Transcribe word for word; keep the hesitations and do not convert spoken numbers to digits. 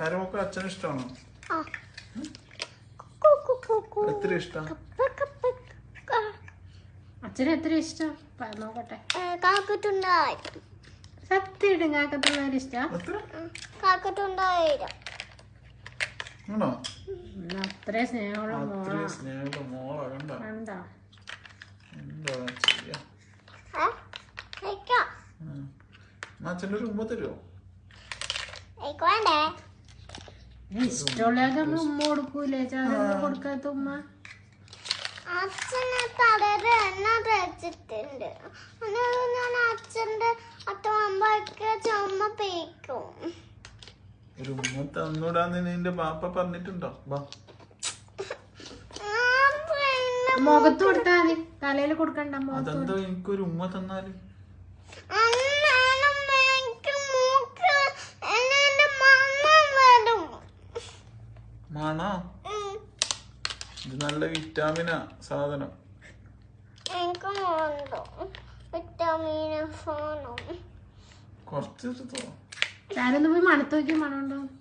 ചാരുമൊക്കെ അച്ഛന് ഇഷ്ടമാണോ? എത്ര ഇഷ്ടം? അച്ഛന് എത്ര ഇഷ്ടം നോക്കട്ടെ. സത്യം കാക്കത്തുള്ളവര് ഇഷ്ടം. അത്രേ സ്നേഹമുള്ള മോളാ. കണ്ടോ? എന്താ ചെയ്യാ? അച്ഛൻ്റെ ഒരു ഉമ്മ തരുമോ? ഇഷ്ടമുള്ളതൊക്കെ നമ്മൾ ഉമ്മ കൊടുക്കൂലേ? ചാരൊന്നും കൊടുക്കാത്ത ഉമ്മ. അച്ഛനെ തലയിൽ എണ്ണ തേച്ചിട്ടുണ്ട്. ഞാൻ അച്ഛൻ്റെ അത്തമ്മയ്ക്ക് ചുമ പേക്കും. ഒരു ഉമ്മ തന്നൂടാന്ന് നിന്റെ ബാപ്പ പറഞ്ഞിട്ടുണ്ടോ? മുഖത്ത് കൊടുത്താ മതി, തലയിൽ കൊടുക്കണ്ട. അതെന്തോ എനിക്കൊരു ഉമ്മ തന്നാല് മാണോ? ഇത് നല്ല വിറ്റാമിനാ സാധനം. കുറച്ച് ചാരൊന്ന് പോയി മണത്ത് നോക്കി മണമുണ്ടോ?